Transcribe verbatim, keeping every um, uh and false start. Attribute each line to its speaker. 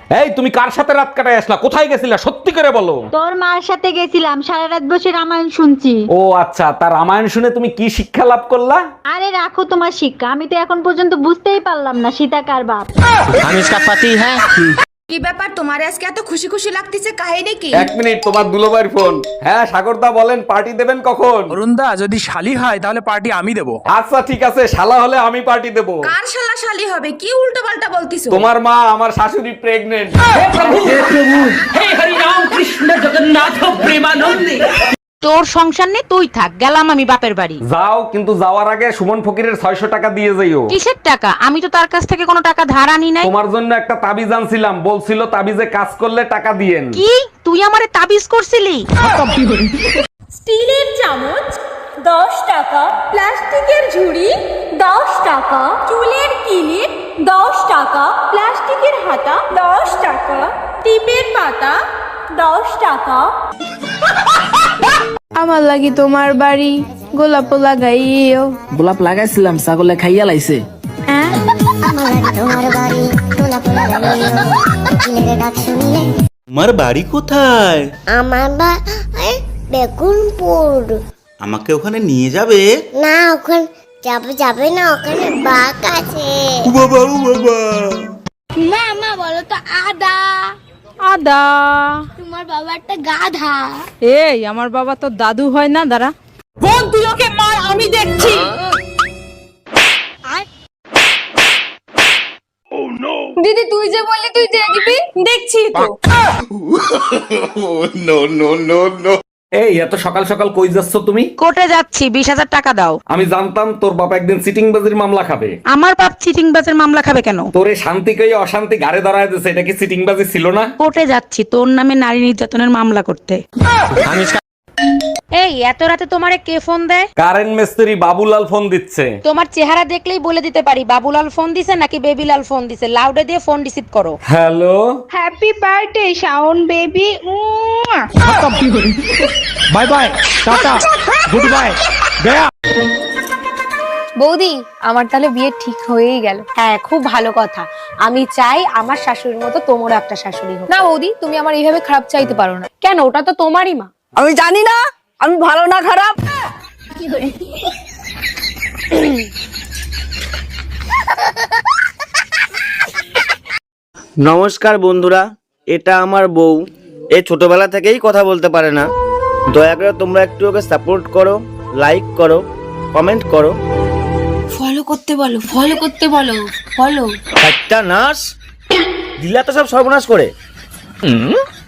Speaker 1: এই তুমি কার সাথে রাত কাটায় আসলা? কোথায় গেছিলা সত্যি করে বলো।
Speaker 2: তোর মার সাথে গেছিলাম, সারা রাত বসে রামায়ণ শুনছি।
Speaker 1: ও আচ্ছা, তার রামায়ণ শুনে তুমি কি শিক্ষা লাভ করলা?
Speaker 2: আরে রাখো তোমার শিক্ষা, আমি তো এখন পর্যন্ত বুঝতেই পারলাম না সীতা কার বাপ।
Speaker 3: हम इसका पति है।
Speaker 4: কি ব্যাপার তোমার আজকে এত খুশি খুশি লাগতেছে, কাহিনী কি?
Speaker 1: এক মিনিট, তোমার দুলোবাইর ফোন। হ্যাঁ সাগরদা বলেন, পার্টি দেবেন কখন?
Speaker 5: অরুণদা যদি শালি হয় তাহলে পার্টি আমি দেবো।
Speaker 1: আচ্ছা ঠিক আছে, শালা হলে আমি পার্টি দেব।
Speaker 4: কার শালা শালি হবে? কি উল্টো পাল্টা বলতিছো?
Speaker 1: তোমার মা আমার শাশুড়ি প্রেগনেন্ট।
Speaker 6: তোর সংসার নেই, তুই থাক, গেলাম আমি বাপের বাড়ি।
Speaker 1: যাও, কিন্তু যাওয়ার আগে সুমন ফকিরের ছয়শ টাকা দিয়ে যাইও।
Speaker 6: কিসের টাকা? আমি তো তার কাছ থেকে কোনো টাকা ধার আনি নাই।
Speaker 1: তোমার জন্য একটা তাবিজ আনছিলাম, বলছিল তাবিজে কাজ করলে টাকা দিয়েন।
Speaker 6: কি তুই আমারে তাবিজ করছিলি?
Speaker 7: স্টিলের চামচ দশ টাকা, প্লাস্টিকের ঝুড়ি দশ টাকা, চুলের কিলিপ দশ টাকা, প্লাস্টিকের হাতা দশ টাকা, টিপের পাতা দশ টাকা।
Speaker 8: আমার লাগি তোমার বাড়ি গোলাপ লাগাইও।
Speaker 3: গোলাপ লাগাইছিলাম, ছাগলে খাইয়া লাইছে।
Speaker 9: তোমার বাড়ি কোথায়?
Speaker 10: আমার বাড়ি বেগুনপুর।
Speaker 9: আমাকে ওখানে নিয়ে যাবে?
Speaker 10: না, ওখানে যাবে যাবে না, ওখানে বাঘ আছে।
Speaker 9: ও বাবা, ও বাবা।
Speaker 7: মা মা বলো তো আদা।
Speaker 8: আদা।
Speaker 7: তোমার বাবা একটা গাধা।
Speaker 8: এই আমার বাবা তো দাদু হয় না, দাঁড়া।
Speaker 7: বোন তুই ওকে মার, আমি দেখছি। দিদি তুই যে বললি তুই দেখবি, দেখছি তো।
Speaker 9: No no no no.
Speaker 1: এই এত সকাল সকাল কই যাচ্ছ তুমি?
Speaker 6: কোর্টে যাচ্ছি, বিশ হাজার টাকা দাও।
Speaker 1: আমি জানতাম তোর বাবা একদিন সিটিং বাজির মামলা খাবে।
Speaker 6: আমার বাপ চিটিং বাজের মামলা খাবে কেন?
Speaker 1: তোরে শান্তি কই অশান্তি ঘাড়ে ধরায় দিছে, এটা কি সিটিং বাজি ছিল না?
Speaker 6: কোর্টে যাচ্ছি তোর নামে নারী নির্যাতনের মামলা করতে।
Speaker 3: हम इसका
Speaker 6: এই এত রাতে তোমারে কে ফোন দেয়?
Speaker 1: কারেন্ট মিস্ত্রি বাবুলাল ফোন দিচ্ছে।
Speaker 6: তোমার চেহারা দেখলেই বলে দিতে পারি বাবুলাল ফোন দিছে নাকি বেবিলাল ফোন দিছে। লাউডে দিয়ে ফোন রিসিভ করো।
Speaker 1: Hello,
Speaker 8: happy birthday Shawon baby.
Speaker 5: Bye bye, tata, goodbye, গয়া।
Speaker 7: বৌদি আমার তাহলে বিয়ে ঠিক হয়েই গেল।
Speaker 6: হ্যাঁ খুব ভালো কথা। আমি চাই আমার শাশুড়ির মতো তোমারও একটা শাশুড়ি হোক।
Speaker 7: না বৌদি, তুমি আমার এইভাবে খারাপ চাইতে পারো না।
Speaker 6: কেন? ওটা তো তোমারই মা।
Speaker 8: আমি জানি না আমি ভালো না খারাপ।
Speaker 3: নমস্কার বন্ধুরা, এটা আমার বউ। এ ছোটবেলা থেকেই কথা বলতে পারে না। দয়া করে তোমরা একটু ওকে সাপোর্ট করো, লাইক করো, কমেন্ট করো।
Speaker 4: ফলো করতে বলো, ফলো করতে বলো, ফলো।
Speaker 3: একটা নার্স দিলা তো সব সর্বনাশ করে।